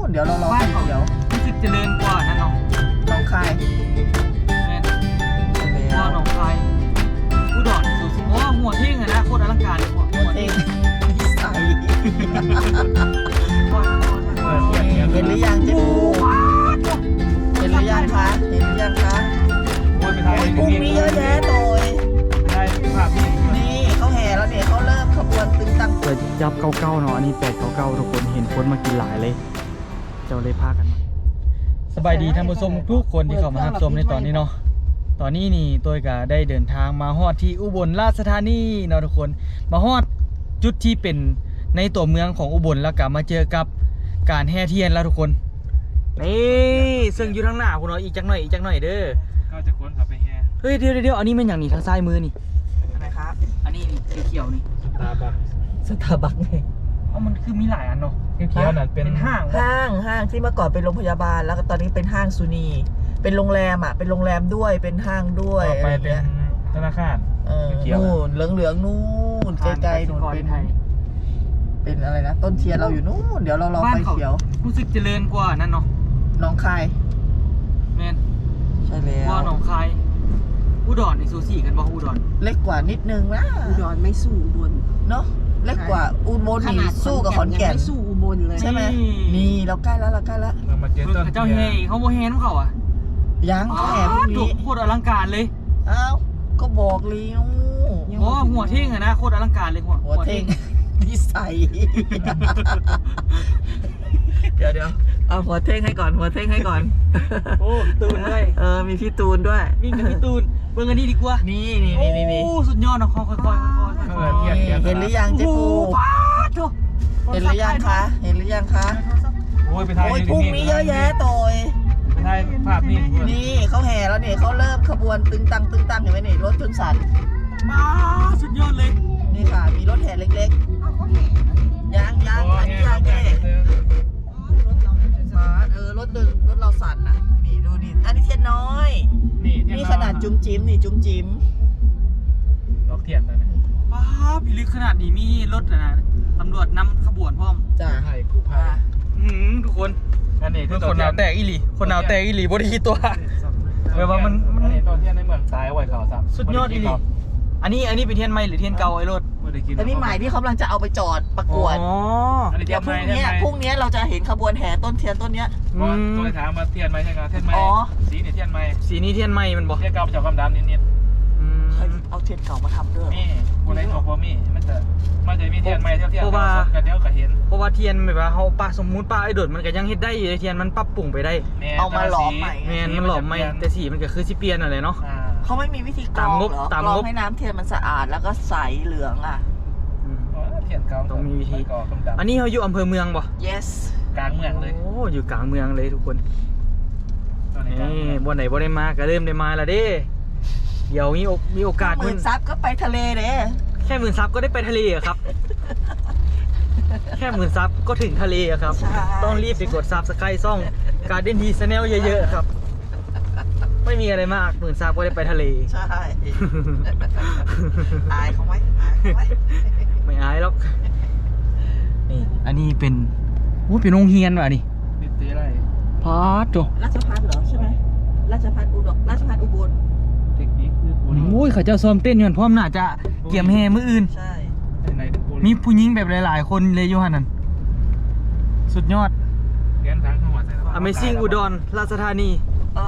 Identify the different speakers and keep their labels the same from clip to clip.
Speaker 1: นเดี๋ยวเรารอไฟเขียว
Speaker 2: รู้สึกเจริญกว่านั่นเนาะ
Speaker 1: หนองคาย
Speaker 2: แม่นว่าหนองคายอุดรสุดเพราะว่าหัวเท่งอะนะโคตรอลังการเลยหัว
Speaker 1: เ
Speaker 2: เท่
Speaker 1: องนิสัยเห็นหรือยังเจ๊ปูเห็นหรือยังคะเห็นหรือยังคะ
Speaker 2: โอ้ยไปไทย
Speaker 1: พรุ่งนี้เยอะแยะโดย
Speaker 2: ไปไทยภาพ
Speaker 1: นี่เขาแห่แล้วเนี่ยเขาเริ่มขบวนตึงตัง
Speaker 2: เปิดยับเก่าๆเนาะอันนี้899ทุกคนเห็นคนมากินหลายเลยเจ้าเลยพากันมาสบายดีท่านผู้ชมทุกคนที่เข้ามารับชมในตอนนี้เนาะตอนนี้นี่ตัวก็ได้เดินทางมาฮอดที่อุบลราชธานีเนาะทุกคนมาฮอดจุดที่เป็นในตัวเมืองของอุบลแล้วก็มาเจอกับการแห่เทียนแล้วทุกคนนี่ซึ่งอยู่ทางหน้าคุณเนาะอีกจักหน่อยเด้อก็จะค้นขับไปแห่เฮ้ยเดี๋ยวอันนี้มันอย่างนี้ทางซ้ายมือนี่
Speaker 1: อะไรครับ
Speaker 2: อันนี้นี่สีเขียวนี่
Speaker 1: สตาร์บัคไง
Speaker 2: มันคือมีหลายอันเนาะเขียวนั่นเป็นห้าง
Speaker 1: ที่เมื่อก่อนเป็นโรงพยาบาลแล้วก็ตอนนี้เป็นห้างซูนีเป็นโรงแรมอ่ะเป็นโรงแรมด้วยเป็นห้างด้วย
Speaker 2: ต่อไปเป็นธนาคาร
Speaker 1: นู่นเหลืองนู่นไกลๆนู่นเป็นอะไรนะต้นเทียนเราอยู่นู่นเดี๋ยวเรารอไฟเขียว
Speaker 2: รู้สึกเจริญกว่านั่นเนาะ
Speaker 1: หนองคาย
Speaker 2: แม่น
Speaker 1: ใช่แล้ว
Speaker 2: ว่าหนองคายอุดรในซูซี่กันบ่อุดร
Speaker 1: เล็กกว่านิดนึงนะ
Speaker 3: อุดรไม่สู้อุบล
Speaker 1: เนาะเล็กกว่าอุบลนี่สู้กับขอนแก่น
Speaker 3: ไม่สู้อุบลเลย
Speaker 1: ใช่ไหมนี่เราใกล้แล้ว
Speaker 2: มาเจอต้นเจ้าเฮเขาโมเฮนเขาอ่ะ
Speaker 1: ยังเขาแห่พรุ่งนี้
Speaker 2: โคตรอลังการเลย
Speaker 1: อ้าวก็บอกแล้ว
Speaker 2: โอ้หัวเท่งอะนะโคตรอลังการเลย
Speaker 1: หัวเท่งนิสัยเดี๋ยวเอาหัวเท่งให้ก่อน
Speaker 2: โอ้ตูนด้วย
Speaker 1: มีพี่ตูนด้วย
Speaker 2: วิ่งกับพี่ตูนเบิ่งอันนี้ดีกว่า
Speaker 1: นี่
Speaker 2: โอ้สุดยอดเนาะค่อย
Speaker 1: เห็นหรือยังเจ๊ปูเห็นหรือยังคะ
Speaker 2: โอ้ยไปไทย
Speaker 1: พรุ่งนี้เยอะแยะโดย
Speaker 2: ไปไทยภาพ
Speaker 1: นี่เขาแห่แล้วเนี่ยเขาเริ่มขบวนตึงตังเห็นไหมนี่รถจนสั่น
Speaker 2: สุดยอดเลย
Speaker 1: นี่ค่ะมีรถแห่เล็กๆยังอันนี้ยังแค่รถเราสั่นอ่ะนี่ดูนี่อันนี้เทียนน้อยนี่ขนาดจุ้มจิ้ม
Speaker 2: ล็อกเทียนเลยนะพิลึกขนาดนี้มีรถนะตำรวจนำขบวนพร้อม
Speaker 1: จ้า
Speaker 2: กูพาทุกคนอันนี้คือคนหนาวแตกอีหลีบ่ได้คิดตัวแปลว่ามันตอนเทียนในเมืองซ้ายไว้เขาซ้ำสุดยอดอีหลีอันนี้เป็นเทียนใหม่หรือเทียนเก่าไอ้รถ
Speaker 1: อันนี้ใหม่ที่เขากำลังจะเอาไปจอดประกวดเดี๋ยวพรุ่งนี้เราจะเห็นขบวนแห่ต้นเทียนต้นเนี้ย
Speaker 2: ตัวถามมาเทียนไหมใช่ไหมเทียนไหมสีนี่เทียนไหมสีนี้เทียนไหมมันบอกเทียนเก่าจากความดำนิด
Speaker 1: เอาเทียนเก่ามาทำด้วย
Speaker 2: นี่กูเลยบอกว่ามันจะมีเทียนไหมเทียนกันเดียวก็เห็นเพราะว่าเทียนแบบว่าเขาปะสมมุติปะไอ้โดดมันก็ยังเฮ็ดได้อยู่เทียนมันปรับปรุงไปได้
Speaker 1: เอามาหลอมใหม่
Speaker 2: มันหลอมใหม่แต่สีมันก็คือสิเปลี่ยนอะไรเนาะ
Speaker 1: เขาไม่มีวิธีกรองหรอกรองให้น้ำเทียนมันสะอาดแล้วก็ใสเหลืองอ่ะ
Speaker 2: เทียนเก่าต้องมีวิธีอันนี้เขาอยู่อำเภอเมืองป่ะ
Speaker 1: yes
Speaker 2: กลางเมืองเลยโอ้อยู่กลางเมืองเลยทุกคนบ่ไหนบ่ได้มาก็เริ่มได้มาแล้วเด้เดี๋ยวมีโอกาส
Speaker 1: 10,000 ซับก็ไปทะเลเด้
Speaker 2: แค่10,000 ซับก็ได้ไปทะเลอะครับแค่10,000 ซับก็ถึงทะเลอะครับต้องรีบไปกดซับสไครต์ซ่องการเด่นทีชาแนลเยอะๆครับไม่มีอะไรมาก10,000 ซับก็ได้ไปทะเล
Speaker 1: ใช่อายเขาไหม
Speaker 2: ไม่อายหรอกนี่อันนี้เป็นโรงเรียนว่ะนี่ตีอะไรพาร์ทโต
Speaker 1: ราชภัฏเหรอใช่ไหมราชภัฏอุบล
Speaker 2: เทคนิคคือโอ้ยเขาเจ้าซ้อมเต้นอยู่พร้อมน่าจะเกี่ยมแห่มื้ออื่น
Speaker 1: ใช่
Speaker 2: มีผู้หญิงแบบหลายๆคนเลยอยู่หั่นนั่นสุดยอดเรียนทางจังหวัด Amazing อุดรราชธานี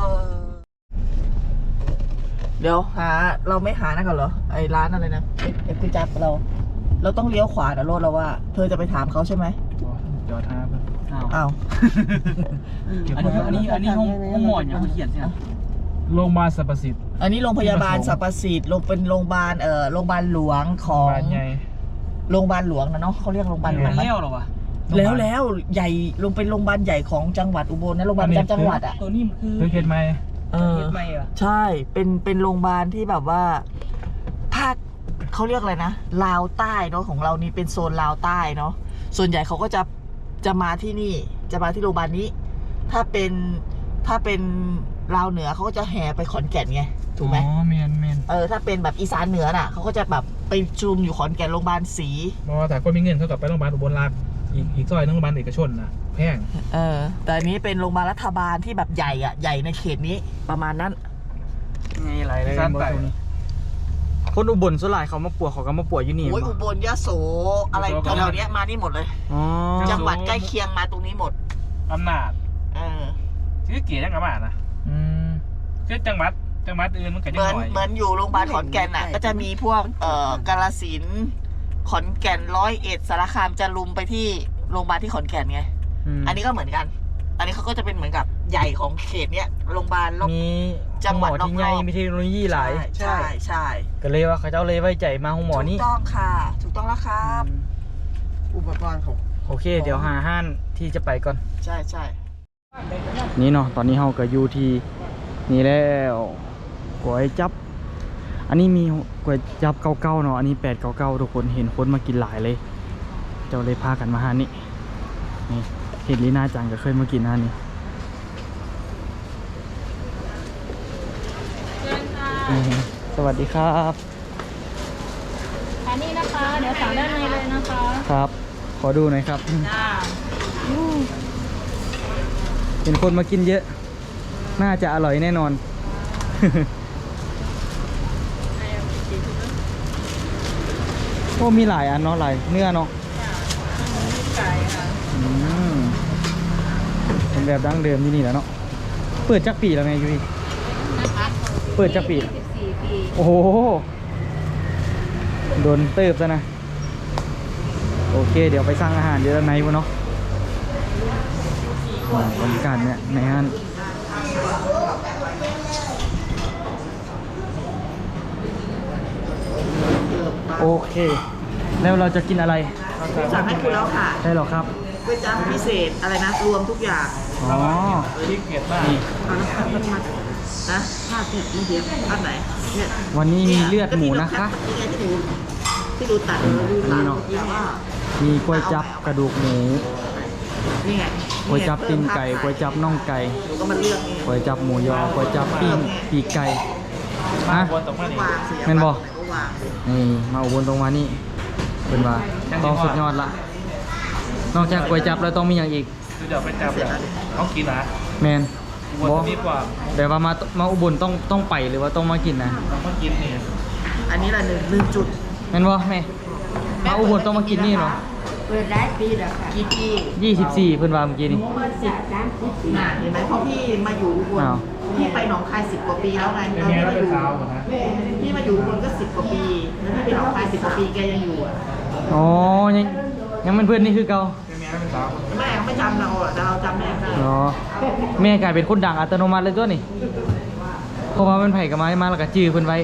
Speaker 1: เดี๋ยวเราไม่หานะก่อนเหรอไอ้ร้านอะไรนะไอ้กุจับเราต้องเลี้ยวขวานะรถเราว่าเธอจะไปถามเขาใช่ไหม
Speaker 2: จอดท่า
Speaker 1: อ้าว
Speaker 2: อันนี้ห้องหมอนอย่างเขาเขียนใช่ไหมโรงพยาบาลสรรพสิทธิ์
Speaker 1: อันนี้โรงพยาบาลสรรพสิทธิ์เป็นโรงพยาบาลโรงพยาบาลหลวงของโรงพยาบาลหลวงนะเนาะเขาเรียกโรงพยาบาลหลวง
Speaker 2: แล้วหรอวะ
Speaker 1: แล้วใหญ่เป็นโรงพยาบาลใหญ่ของจังหวัดอุบลนะโรงพยาบาลประจำจังหวัดอ่ะ
Speaker 2: ตัวนี้คือเขตไหม
Speaker 1: ใช่เป็นโรงพยาบาลที่แบบว่าภาคเขาเรียกอะไรนะลาวใต้เนาะของเรานี่เป็นโซนลาวใต้เนาะส่วนใหญ่เขาก็จะมาที่นี่จะมาที่โรงพยาบาลนี้ถ้าเป็นลาวเหนือเขาก็จะแห่ไปขอนแก่นไงถูกไหม
Speaker 2: อ๋อเมน
Speaker 1: ถ้าเป็นแบบอีสานเหนือน่ะเขาก็จะแบบไปชุมอยู่ขอนแก่นโรงพยาบาลศรี
Speaker 2: เพราะว่าแต่คนมีเงินเขากลับไปโรงพยาบาลอุบลราช
Speaker 4: อีกซอยนึงโรงพยาบาลเอกชนนะแพง
Speaker 1: แต่อันนี้เป็นโรงพยาบาลรัฐบาลที่แบบใหญ่อะใหญ่ในเขตนี้ประมาณนั้น
Speaker 2: ไงไหลเลยบนตรงนี้คนอุบลส่วนหลายเขามาปวดเขาก็มาปวดอยู่นี่
Speaker 1: โอ้ยอุบลยโสอะไรแถวๆเนี้ยมานี่หมดเลย
Speaker 2: อ๋อ
Speaker 1: จังหวัดใกล้เคียงมาตรงนี้หมด
Speaker 4: อำนาจ
Speaker 1: เออ
Speaker 4: ชื่อเกียรติยังกระบาดนะ
Speaker 2: อืม
Speaker 4: คือจังหวัดอื่นมันก็ยัง
Speaker 1: เหมือน
Speaker 4: หน่อย
Speaker 1: เหมือนอยู่โรงพยาบาลขอนแก่นอ่ะ ก็จะมีพวกกาฬสินธุ์ขอนแก่น101สารคามจะลุมไปที่โรงพยาบาลที่ขอนแก่นไง อันนี้ก็เหมือนกัน อันนี้เขาก็จะเป็นเหมือนกับใหญ่ของเขตเนี้ยโรงพยาบาล
Speaker 2: มี
Speaker 1: จังหวัด
Speaker 2: ที่ใหญ่
Speaker 1: รอบๆ
Speaker 2: มีเทคโนโลยีหลาย
Speaker 1: ใช่ใช่
Speaker 2: ก็เลยว่าเขาเจ้าเลยไว้ใจมาห้องหมอนี่
Speaker 1: ถูกต้องค่ะ ถูกต้องแล้วครับ
Speaker 3: อุปกรณ์ของ
Speaker 2: โอเค เดี๋ยวหาห้านที่จะไปก่อน
Speaker 1: ใช่ใช่
Speaker 2: นี่เนาะตอนนี้เราก็อยู่ที่นี่แล้วก๋วยจับ อันนี้มีก๋วยจับเก่าๆเนาะอันนี้899ทุกคนเห็นคนมากินหลายเลย เจ้าเลยพากันมาหานี่นี่เห็นลีน่าจังก็เคยมากินหานี่สวัสดีครับ
Speaker 5: อันนี้นะคะ เดี๋ยวสั่งด้านในเลยนะคะ
Speaker 2: ครับ ขอดูหน่อยครับเห็นคนมากินเยอะ น่าจะอร่อยแน่นอน โอ้มีหลายอันเนาะหลายเนื้อเนาะเป็นแบบดั้งเดิมที่นี่แหล้วเนาะเปิดจักปีแล้วไงยุ้ยเปิดจักปี
Speaker 5: 14 ปี
Speaker 2: โอ้โหโดนเติบซะนะโอเคเดี๋ยวไปสั่งอาหารเดี๋ยวในวะเนาะบรรยากาศเนี่ยในห้างโอเค แล้วเราจะกินอะไร
Speaker 1: สั่งให้คุณแล้วค่ะ
Speaker 2: ได้หรอครับ
Speaker 1: ก๋วยจั๊บพิเศษอะไรนะรวมทุกอย่าง
Speaker 2: อ๋อ
Speaker 4: ที่เกียรติมาก
Speaker 2: นี่
Speaker 1: เอาน้ำตาลมานะผ้าผิดไม่เดียวอันไหนเนี่ย
Speaker 2: วันนี้มีเลือดหมูนะคะ
Speaker 1: นี่ไงที่ดูตัดดูตัดเมื่อกี้ว่า
Speaker 2: มีก๋วยจับกระดูกหมู
Speaker 1: นี่ไง
Speaker 2: ก๋วยจับตีนไก่ก๋วยจับน่องไก่
Speaker 1: หนูก็มาเลือกนี่
Speaker 2: ก๋วยจับหมูยอก๋วยจับปิ้งปีกไก่ฮะ
Speaker 4: วนตรงมานี่
Speaker 1: วางสิ
Speaker 2: แม่นบ่
Speaker 1: ก็วางสิ
Speaker 2: นี่มาอุบลตรงมานี่เป็นว่าต้องสุดยอดละนอกจากก๋วยจับแล้วต้องมีอย่างอีก
Speaker 4: คือเดี๋ยวไปจับแบบเขากินนะ
Speaker 2: แมน
Speaker 4: วน
Speaker 2: บอ
Speaker 4: ดีกว่า
Speaker 2: แต่ว่ามาอุบลต้องไปหรือว่าต้องมากินนะ
Speaker 4: เขากินนี่
Speaker 1: อันนี้ละหนึ่งจุด
Speaker 2: แมนบอแม่มาอุบลต้องมากินนี่เนาะ
Speaker 5: เปิดได้ปีแล้วค่ะ
Speaker 1: กี่ปี
Speaker 2: 24เพิ่นว่าเมื่อกี้นี่
Speaker 5: 10 30
Speaker 1: น่ะเห็นไหมเพราะพี่มาอยู่อุบล
Speaker 2: อ้าว
Speaker 1: พี่ไปหนองคาย10 กว่าปีแล้วไง
Speaker 4: เป็น
Speaker 1: ตอน
Speaker 4: แม่
Speaker 1: ที่
Speaker 4: แล้ว
Speaker 1: มาอ
Speaker 4: เป็น
Speaker 1: ยู่
Speaker 4: สาวหมดนะ
Speaker 1: พี่มาอยู่อุบลก็10 กว่าปีแล้วพี่ไปหนองคาย10 กว่าปีแกยังอยู่อ่ะ
Speaker 2: อ๋อยังเป็นเพื่อนนี่คือเก่า
Speaker 4: เป็นแม่แล้วเป็นสาว
Speaker 1: แม่ไม่จำเราอ่ะแต่เราจำแม่ได้
Speaker 2: เนาะแม่กลายเป็นคนดังอัตโนมัติเลยตัวนี่เพราะว่ามันไผ่กับมาแล้วก็จื้อเพิ่นไว้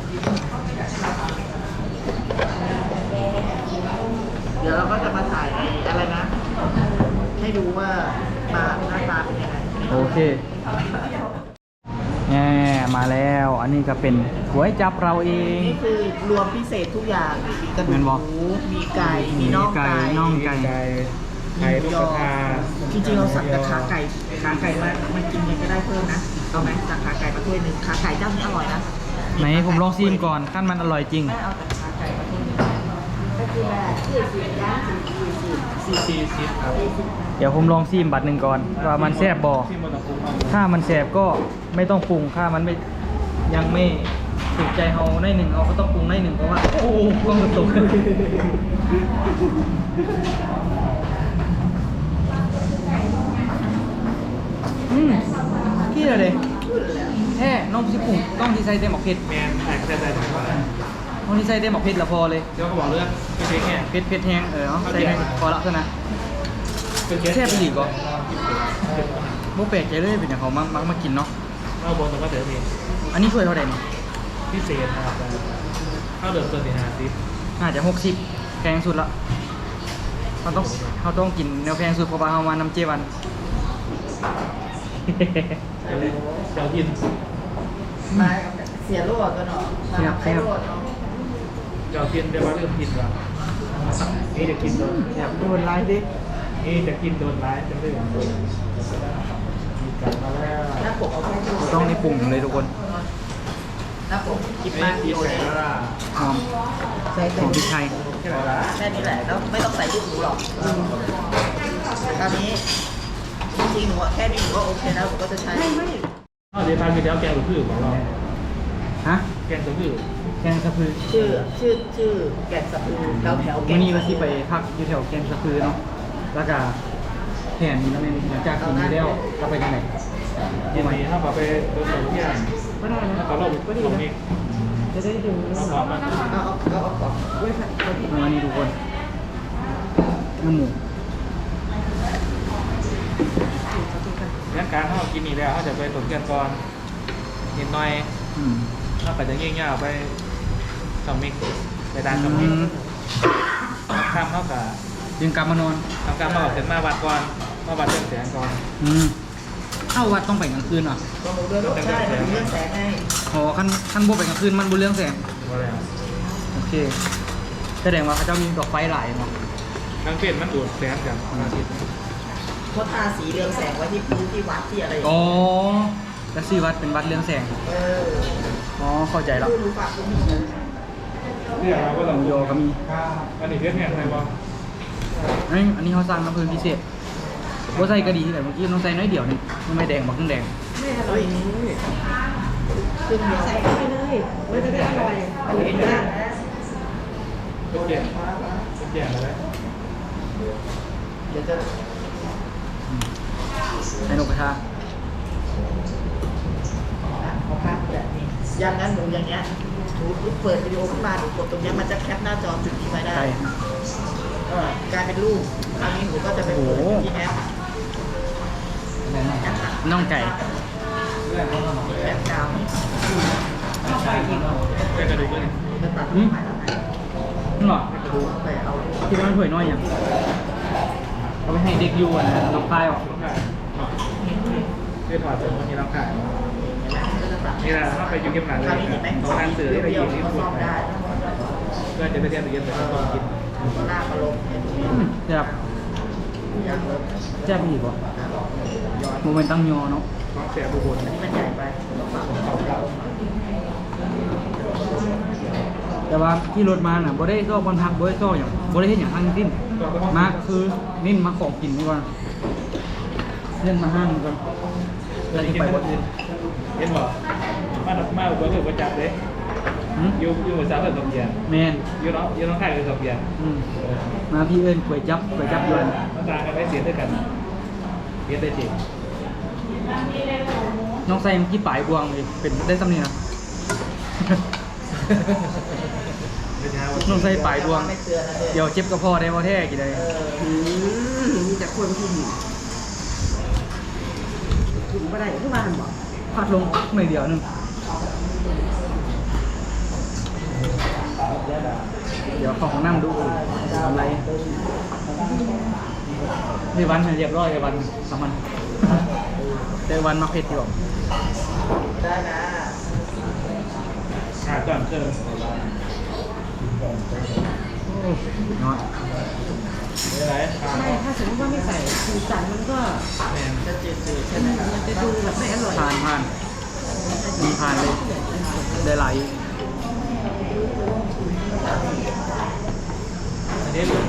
Speaker 1: เดี๋ยวเราก็จะมาถ่ายอะไรนะ ให้ดูว่ามาหน้าตาเป็นยังไง
Speaker 2: โอเคแง่มาแล้ว อันนี้ก็เป็นก๋วยจับเราเอง
Speaker 1: นี่คือรวมพิเศษทุกอย่างมีกระดู
Speaker 2: แม่นบ่
Speaker 1: กหมูมีไก่มีน่องไก่
Speaker 2: น่องไก่
Speaker 4: ไข่ลูกกระทา
Speaker 1: จริงๆเราสั่งแต่ขาไก่มากินยังก็ได้เพิ่มนะเอาไหมสั่งขาไก่มาถ้วยหนึ่งขาไก่เจ้านี้อร่อยนะ
Speaker 2: ไหนผมลองซิมก่อนขั้นมันอร่อยจริง
Speaker 1: แม่เอาแต่ขาไก่มาถ้วยหนึ่ง
Speaker 4: 40ครับ
Speaker 2: เดี๋ยวผมลองซิมบัตรหนึ่งก่อนว่ามันแซ่บบ่
Speaker 4: ที่มันต้องปรุงมา
Speaker 2: ถ้ามันแซ่บก็ไม่ต้องปรุงถ้ามันไม่ยังไม่ถูกใจเฮาในหนึ่งเราก็ต้องปรุงในหนึ่งเพราะว่าโอ้โหกล้องกระตุกขี้อะไรแท้น้องสิปรุงต้องที่ใส่เต็มหมกเผ็ด
Speaker 4: แมนแตกใส่ถุงมา
Speaker 2: น้องที่ใส่เต็มหมกเผ็ดละพอเลย
Speaker 4: เดี๋ยวเขาบอกเรื่องเป็นเช็คเนี่ย
Speaker 2: เผ็ดแห้งเอาใส่พอละเท่านั้น
Speaker 4: เป็นเช็ค
Speaker 2: แซ่บไปอีกก็บ่แปลกใจเลยเป็นอย่างเขามากินเนาะ
Speaker 4: เอาบนตรงก็เดี๋ยวนี้
Speaker 2: อันนี้ถ้วยเท่าไหร่นี่
Speaker 4: พิเศษนะครับข้าวเดิมตัวสี่50
Speaker 2: น่าจะ60แพงสุดละเขาต้องกินแนวแพงสุดเพราะว่าเขามานำเจวัน
Speaker 4: เดี๋ยวกิน
Speaker 1: มาเสียโลดกันเนาะมาใช้โลดเนาะ
Speaker 4: เดี๋ยวกินเดี๋ยวว่าเริ่มกินว่ะนี่จะกินโดน
Speaker 1: อยากโดนไลฟ์ดิ
Speaker 4: นี่จะกินโดนร้ายจะเรื่องมีกันมาแล้ว
Speaker 1: หน้าปกเอาแค่โดน
Speaker 2: ต้องในปรุงเลยทุกคน
Speaker 1: หน้าปกคิด
Speaker 4: ไม่
Speaker 1: มาก
Speaker 4: กิน
Speaker 1: โดน
Speaker 4: แสงแล้วล่ะ
Speaker 2: หอม
Speaker 1: ใส่
Speaker 2: ห
Speaker 1: แต่
Speaker 2: อมพริกไทย
Speaker 1: ใ
Speaker 4: แค่ไหนละ
Speaker 1: แค่นี้แหละแล้วไม่ต้องใส่ลูกหมูหรอกตอนนี้จริงๆหนูอะแค่นี้หนูก็โอเคแล้วหนูก็จะใช้
Speaker 4: เดี๋ยวทานกินแล้วแกงตัวพืชของเรา
Speaker 2: ฮะ
Speaker 4: แกงตัวพืช
Speaker 2: แกงสะพือ
Speaker 1: ชื่อแกงสะพือแถวแก
Speaker 2: วัน
Speaker 1: ง
Speaker 2: นี้ก็ที่ไปพักอยู่แถวแกงสะพือเนาะแล้วก็แผนนี้แล้วเนี่ยหลังจากกินนี้แล้วเราไปที่ไหน
Speaker 4: เย็นนี้ถ้าเราไปเดินสวนเที่ยงถ้าเราลงนี้จะได้ดูเอาพร้อมมา
Speaker 2: วันนี้ทุกคนน้ำหมู
Speaker 4: งั้นการถ้าเรากินนี่แล้วเขาจะไปสวนเที่ยงก่อนนิดหน่อย
Speaker 2: อืม
Speaker 4: ถ้าไปจะเงี้ยๆไปสองมิกไปด้านสองมิกข้ามเท่ากับ
Speaker 2: ยังกลับมานอน
Speaker 4: ทำการมาบอกเสร็จมาวัดก่อนมาวัดเรื่องแสงก่อน
Speaker 2: เอ้าวัดต้องไปกลางคืนเหรอ
Speaker 1: ก็หนูเดินใช่หนูเรื่องแสงให้
Speaker 2: อ๋อขั้นบวไปกลางคืนมันบุเรื่องแสง
Speaker 4: ว่าแล้ว
Speaker 2: โอเคแสดงว่าเขาเจ้ามีดอกไฟหลายเนาะ
Speaker 4: ทางเปลี่ยนมันดูดแสงจากอาทิตย์
Speaker 1: เขาทาสีเรืองแสงไว้ที่พื้นที่วัดที่อะไรอย่าง
Speaker 2: อ๋อ
Speaker 1: เงี้ย
Speaker 2: แล้วซีวัดเป็นวัดเรื่องแสง อ๋อ เข้าใจแล้ว
Speaker 1: รู้ฝากคุณผู้ชม
Speaker 4: เนี่ยเราก็
Speaker 2: ห
Speaker 4: ต้อง
Speaker 2: มูยอก็มี
Speaker 4: อันนี้เรียกเนี่ยอะไรบ้าง
Speaker 2: อันนี้เขาสร้างน้ำพึ่งพิเศษว่าใส่กระดีที่ไหนเมื่อกี้ต้องใส่น้อยเดียวนี่มันไม่แดงบอกเครื่องแดง
Speaker 1: เฮ้ยคือหนูใส่ไปเลยไม่ได้อร่อยเห็นไหม
Speaker 4: เป็นแก่อะไร
Speaker 1: เดี๋ยวจะ
Speaker 2: ใส่นกกระทา
Speaker 1: เอาภาพแบบนี้อย่างนั้นหนูอย่างเงี้ยหนูเปิดวิดีโอขึ้นมาหนูกดตรงเนี้ยมันจะแคปหน้าจอจุดนี้ไว้ได้
Speaker 2: ใช่
Speaker 1: กลายเป็นรูปอันนี้หนูก็จะไปเปิดที่แอป
Speaker 2: น่องไก่
Speaker 1: แอปกาว
Speaker 4: เป็นกระดูกเลย
Speaker 1: จะตัด
Speaker 2: อืม
Speaker 1: ถ่ายแล้วไหน
Speaker 2: นี่หรอ
Speaker 1: ไปเอา
Speaker 2: ที่มันถ้วยน้อยอย่างเอาไปให้เด็กอยู่อ่ะนะน้องพายอ่ะ
Speaker 4: คือถอดเสร็จวันนี้เราขาย
Speaker 1: ก็จะตัด
Speaker 4: นี่แหละถ้าไปยูเกมหนังเล
Speaker 1: คราวย นี้เห็นไหม
Speaker 4: ตอนนั้นสื่อที่ไป
Speaker 1: เดี
Speaker 4: ยิ
Speaker 1: ยว
Speaker 4: งนี่
Speaker 1: ก็
Speaker 4: พู
Speaker 1: ซ่
Speaker 4: ด
Speaker 1: อมได้
Speaker 4: เพื่อจะไปเทียบไปเย็นแต่ก็ต้องกิน
Speaker 1: ก็ลากมาลงเนี่ยตรงนี้
Speaker 2: แซ่บ
Speaker 1: ยางลง
Speaker 2: แซ่บอีกป่ะโมเมนต์ตั้งยอเนาะ
Speaker 4: ต้องเสียบุบล
Speaker 1: อันนี้มันใหญ่ไปต้องฝากของเขา
Speaker 2: แต่ว่าที่รถมาน่ะบ่ได้ซ่อบอลพักบ่ได้ซ่ออย่างบ่ได้เห็นอย่างทั้งสิ้นมาคือนิ่นมาของกินนี่ก่อนเล่นมาห้างก่อนแล้วที่ไปบ่อื่น
Speaker 4: เห็นบอกมาอุบลคือประจับเลย
Speaker 2: หืม
Speaker 4: อยู่ภาษาเรื่องกับเบียร์
Speaker 2: แมน
Speaker 4: อยู่น้องไข่คือกับเบียร์
Speaker 2: มาพี่เอิญก๋วยจับยวน
Speaker 4: มันต่างกันไม่เสียด้วยกันเบียร์ได้จริง
Speaker 2: น้องใส่เมื่อกี้ปลายบวงเลยเป็นได้สำเนียง น้องใส่ปลายบวง
Speaker 1: ไม่เตือนนะเนี่ย
Speaker 2: เดี๋ยวเจ็บกระเพาะได้บ่แท้กี่ได้
Speaker 1: มีแต่คนที่หิวถึงไม่ได้ขึ้นมาหันบอก
Speaker 2: พัดลงหน่อยเดียวหนึงเดี๋ยวเของน้ำดูทำไรนี่วันเรียบร้อยไอ้วันสามันแต่วันมาเผ็ดอยู่
Speaker 1: ได้นะ
Speaker 4: ก่อนเจอ
Speaker 2: เนาะ
Speaker 4: อะไร
Speaker 5: ไม่ถ้าสมมติว่าไม่ใส่สีสันมันก็
Speaker 1: จะจืดๆใช่ไหม
Speaker 5: มันจะดูแบบไม่อร่อย
Speaker 2: ผ่านมีผ่านเลยได้ไหล
Speaker 4: อันนี้เรื่อง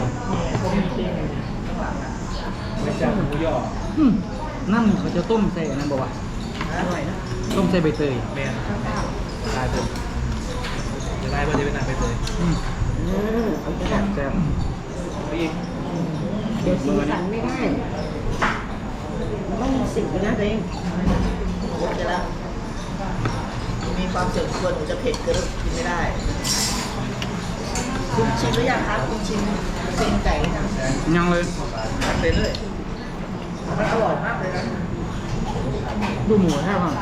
Speaker 4: ไม่ใช่หมูย่อ
Speaker 2: น้ำเขาจะต้มใส่อันนั้นบอกว่า
Speaker 1: อร่อยนะ
Speaker 2: ต้มใส่ใบเตย
Speaker 4: แมนตายเป็นจะได้ว่าจะเป็นหนังไปเลย
Speaker 2: แซ่บ
Speaker 4: ไปอีก
Speaker 5: เดี๋ยวสีสันไม่ได้มันต้องมีสีนะตัวเอง
Speaker 1: โอเคแล้วมีความเสื่อมส่วนหนูจะเผ็ดเกินกินไม่ได้ คุณชิมหรือยังครับคุณชิมเส้นไก่หรือยัง
Speaker 2: ยังเลย
Speaker 1: ทำไปเลยมันอร่อยมากเลยนะ
Speaker 2: ดูหมูแท้ป่ะ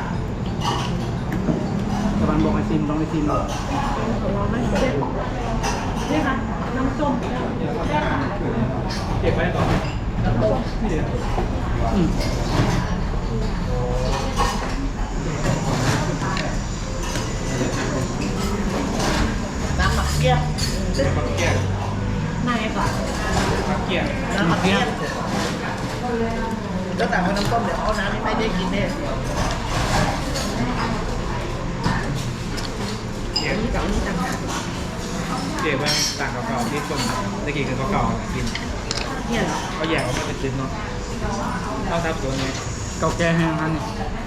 Speaker 2: ตะวันบอกให้ซิมต้องไปซิมเลย
Speaker 5: ลองไหมเช็ดนี่ค่ะน้ำส้ม
Speaker 4: เก็บไว้ก่อน
Speaker 1: น้ำต้ม
Speaker 4: ที่เดียว
Speaker 2: อืม
Speaker 1: น้ำหมักเกี้ยว
Speaker 4: มักเกี้ย
Speaker 5: ไม่ก่อน
Speaker 4: มักเกี้ย
Speaker 1: น้ำหมักเกี้ยวแล้วแต่ว่าน้ำต้มเดี๋ยวเอาน้ำนี่ไม่ได้กินแน่
Speaker 4: เกี้ย
Speaker 1: นี่กับนี่ต่างหาก
Speaker 4: เจ๊ว่าต่างเก่าๆที่คนตะกี้คือเก่าๆกิน
Speaker 5: เนี่ยเหรอ
Speaker 4: เขาแยกออกมาเป็นชิ้นเนาะเอาทับตัวนี้
Speaker 2: เก่าแก่แห้งอันนี้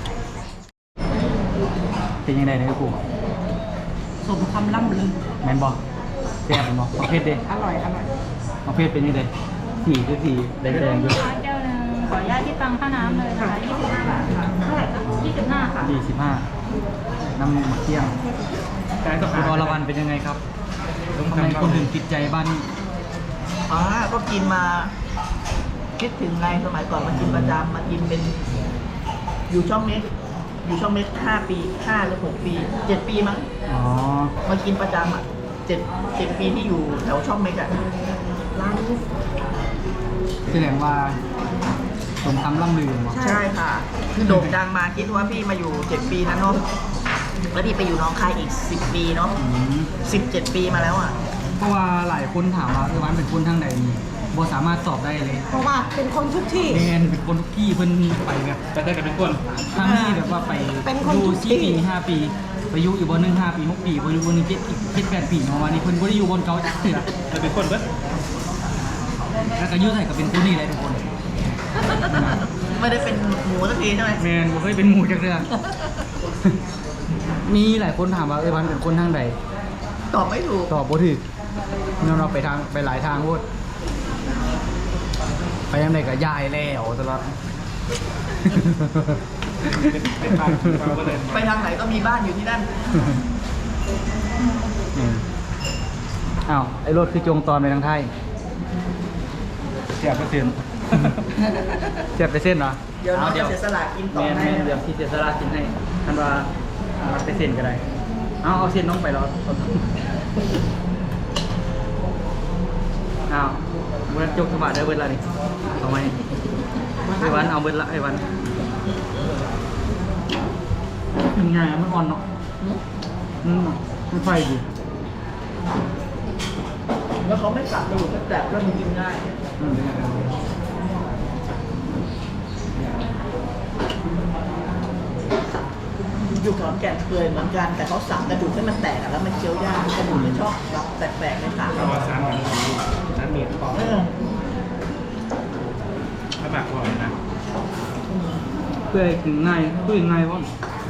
Speaker 2: เป็นยังไงเนี่ยกู
Speaker 5: สมคำล่ำลือ
Speaker 2: แมนบอกแซ่บบอกประเภทเด้
Speaker 5: อร่อยอร่อย
Speaker 2: ประเภทเป็นยังไงสีคือสีแดงๆอยู่
Speaker 6: แก้วหนึงขออนุญาตที่ตังค่าน้ำเลยนะคะ25 บาทค่ะเท่าไหร่คะ25 ค่ะ
Speaker 2: 25น้ำมะเขือ
Speaker 4: การต้อง
Speaker 2: คุณอรวรรณเป็นยังไงครับทำไมคนถึงติดใจบ้านนี้
Speaker 1: ก็กินมาคิดถึงไงสมัยก่อนมากินประจำมากินเป็นอยู่ช่องเม็ก5 ปี5 หรือ 6 ปี 7 ปีมั้ง
Speaker 2: อ๋อ
Speaker 1: มากินประจำอ่ะ7 ปีที่อยู่แถวช่องเม็กอ่ะ
Speaker 5: ร้านนี้
Speaker 2: แสดงว่าสมคำล่ำลือเหรอ
Speaker 1: ใช่ค่ะ คือโด่งดังมาคิดว่าพี่มาอยู่ 7 ปีนะเนาะแล้วพี่ไปอยู่หน้องคายอีก 10 ปีเนาะ
Speaker 2: อืม
Speaker 1: 17 ปีมาแล้วอ่ะ
Speaker 2: เพราะว่าหลายคนถามว่าวันเป็นคนทางใดนี่บ่สามารถตอบได้เลย
Speaker 5: เพราะว่าเป็นคนทุกที่
Speaker 2: แมนเป็นคนทุกที่เพิ่นไปแบบ
Speaker 4: แต่ได้กันเป็นคน
Speaker 2: ทางนี้แบบว่าไป
Speaker 5: เป็นคน
Speaker 2: อยู่
Speaker 5: ทุกที่
Speaker 2: 4 ปี 5 ปีไปอยู่อีกบนหนึ่ง5 ปี 6 ปีไปอยู่บนหนึ่ง7 8 ปีเนาะวันนี้เพิ่นบ่ได้อยู่บนเก่าจักเทื่อ
Speaker 4: แต่เป็นคนเบิด
Speaker 2: แล้วก็อยู่ไทยก็เป็นคนนี่แหละทุกคน
Speaker 1: ไม่ได้เป็นหมูสักทีใช่ไหม
Speaker 2: แมนบ่เคยเป็นหมู่จักเทื่อ มีหลายคนถามว่าวันเป็นคนทางใด
Speaker 1: ตอบไม่ถูก
Speaker 2: ตอบบ่ถูกเราไปทางไปหลายทางโพดไปยังไดก็ย้ายแล้วตลอด
Speaker 4: เป็นบ้านเราก็เลย
Speaker 1: ไปทางไหนก็มีบ้านอยู่ที่นั่น
Speaker 2: อ้าวไอ้รถคือจงตอนไปทางไทย
Speaker 4: เสียเปอร์เซ็นต์
Speaker 2: เสียบไปเส้นเหรอ
Speaker 1: เดี๋ยวน้องจะเสียสละกินต่อ
Speaker 2: แม่น
Speaker 1: ให้
Speaker 2: แม่นเดี๋ยวที่เสียสละกินให้ท่านว่าเอาไปเส้นก็ได้เอาเส้นน้องไปแล้วอ้าวเบิร์ดจกสมาได้เบิร์ดละนี่เอาไหมไอ้วันเอาเบิร์ดละไอ้วันมันไงมันอ่อนเนาะมันไฟดี
Speaker 1: แล้วเขาไม่กลับไปอยู่แต่ก็มันกินง่าย
Speaker 2: อืม
Speaker 1: อยู่ขอนแก่นเคยเหมือนกัน แต่เขาสั่งกระดูกให้มันแตกอะแล้วมันเคี้ยวยากกระดูกมันชอบแบบแปลกๆในปาก
Speaker 4: เราสารกันสารเมียดปอก
Speaker 1: เออ
Speaker 4: ถ้าแบบว่านะ
Speaker 2: เพื่อให้กินง่ายเพื่อง่ายว่ะ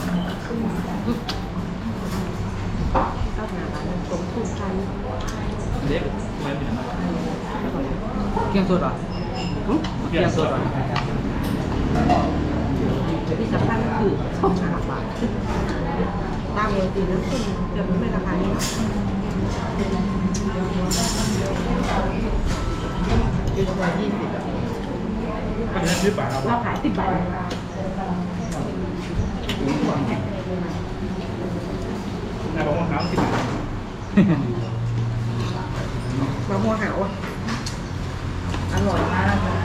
Speaker 5: เจ้าหน้าร้านสมถูกกัน
Speaker 4: เด็กไม่เป็นไร
Speaker 2: เกี๊ยวสดเหรอเกี๊ยวสดเหรอ
Speaker 5: ที่สำคัญก็คือ2 บาทตามปกติแล้วคุณจะไม่ราคานี้หรอก
Speaker 1: ยืนมา20อะ
Speaker 4: อันนี้ซื้อป่า
Speaker 5: เราขาย10 บาท
Speaker 4: นายบอกว่าน้ำ10 บาท
Speaker 5: มะม่วงหาวอ่ะ
Speaker 1: อร่อยมากนะ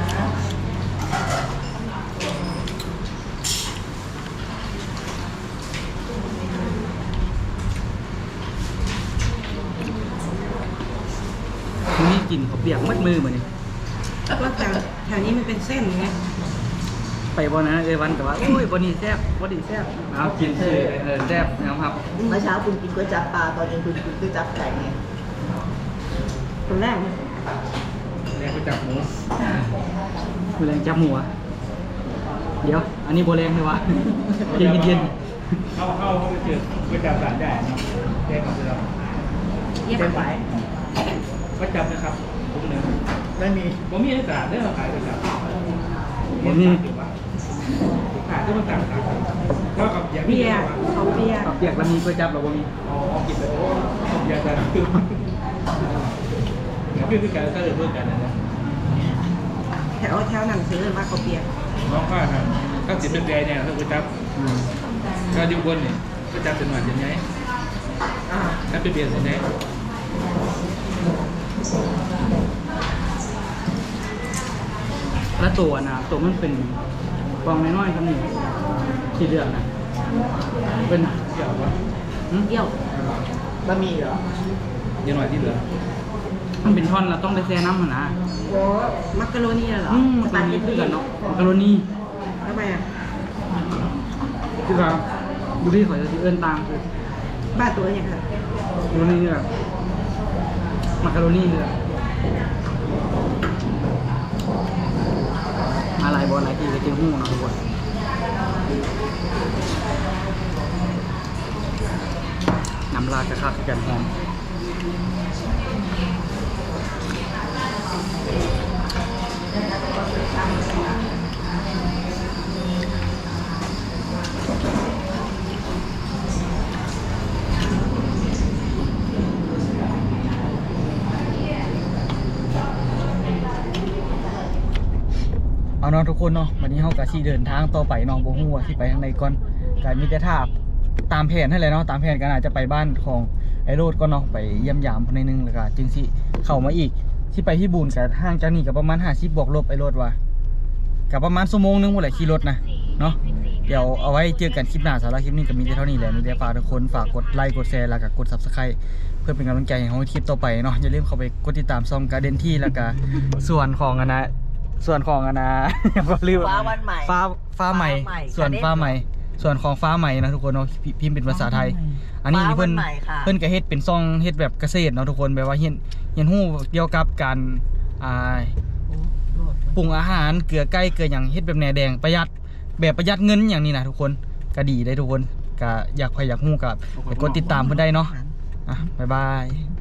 Speaker 2: นี่กินเขาวเปียกมัดมือเหมือนนี่
Speaker 5: ก็แถวนี้มันเป็นเส้นไง
Speaker 2: ไปบอนะเอวันแต่ว่าโอ้ยบอนี่แซ่บบอนี่แซ่บเอากินคือแซ่บนะครับ
Speaker 1: เมื่อเช้าคุณกินก๋วยจั๊บปลาตอนเย็นคุณกินก๋วยจั๊บไก่ไง
Speaker 5: คนแรกเนี่ย
Speaker 4: แรงไปจับหมู
Speaker 2: มือแรงจับหมูอะเดี๋ยว อันนี้โบแรงเลยวะเย็นเย็น
Speaker 4: เข้าไปเจอไปจับสารใหญ่เนาะแยกกับเรา
Speaker 5: เย็บ
Speaker 1: เต็มไหม
Speaker 4: ก็จับนะครับทุกหนึ่ง
Speaker 1: ไม่มี
Speaker 4: ผมมีสารได้เราขายไปจับ
Speaker 2: ผมนี่
Speaker 4: ขายก็มาจับครับก็กับอย่าง
Speaker 5: เบียร์เขาเบียร์
Speaker 2: ข้าวเปียกแล้วมีก๋วยจั๊บเราบ่มี
Speaker 4: อ๋อกินไปโอ้ยาสารคือคือการถ้าเกิดเพื่อนกันนะ
Speaker 5: แถวนั้นซื้อมาเขาเบียร์
Speaker 4: น้องก็ก็สิเป็นแดงเนี่ยคือไปจับก็อยู่บนเนี่ยก็จับเป็นหวานยังไง
Speaker 5: อ่า
Speaker 4: ถ้าเป็นเบียร์ยังไง
Speaker 2: แล้วตัวนะตัวมันเป็นฟองน้อยๆครับนี่ที่เลือกนะเป็น
Speaker 4: เกี่ยวว่า
Speaker 5: เดี่ยว
Speaker 1: บะหมี่เหรอ
Speaker 4: ยังหน่อยที่เหลือ
Speaker 2: มันเป็นท่อนเราต้องไปแช่น้ำมันนะ
Speaker 5: โอ้มักกะโรนีเหรอ
Speaker 2: มันเป็นนี่คือกันเนาะมักกะโรนี
Speaker 5: ทำไมอ่ะ
Speaker 2: คือแบบดูที่เขาจะเอื้อนตามคือ
Speaker 5: บ้านตัวอย่างไร
Speaker 2: มักกะโรนีแบบมักกะโรนีเลยมาหลายบอลหลายทีก็เจอหู้เนาะทุกคนน้ำลาดกระคักกันหอมเอาเนาะทุกคนเนาะวันนี้เฮากะสิเดินทางต่อไปเนาะบ่ฮู้ว่าสิไปทางใดก่อนก็มีแต่ท่าตามแผนนั่นแหละเนาะตามแผนก็น่าจะไปบ้านของไอ้โรดก่อนเนาะไปเยี่ยมยามเพิ่นหน่อยนึงแล้วก็จึงสิเข้ามาอีกสิไปที่บูนก็ห่างจากนี่ก็ประมาณ50บวกลบไอ้โรดว่าก็ประมาณชั่วโมงนึงพุ่นแหละขี่รถนะเนาะเดี๋ยวเอาไว้เจอกันคลิปหน้าสำหรับคลิปนี้ก็มีแต่เท่านี้แหละมีแต่ฝากทุกคนฝากกดไลค์กดแชร์แล้วก็กด Subscribe เพื่อเป็นกำลังใจให้เฮาคลิปต่อไปเนาะอย่าลืมเข้าไปกดติดตามช่องการ์เด้นที่แล้วก็ส่วนของก็ลืม
Speaker 1: ฟ้าวันใหม่
Speaker 2: ฟ้าใหม่ ส่วนฟ้าใหม่ส่วนของฟ้าใหม่นะทุกคนเนาะพิมพ์เป็นภาษาไทย อันนี้นี่เพิ่น
Speaker 1: ฟ้าวันใหม่ค่ะ
Speaker 2: เพิ่นก็เฮ็ดเป็นซองเฮ็ดแบบเกษตรเนาะทุกคนแบบว่าเฮียนฮู้เกี่ยวกับการปรุงอาหารเกลือไก่เกลือหยังเฮ็ดแบบแหนแดงประหยัดเงินอย่างนี้นะทุกคนก็ดีได้ทุกคนก็อยากฮู้ก็ไปกดติดตามเพิ่นได้เนาะบ๊ายบาย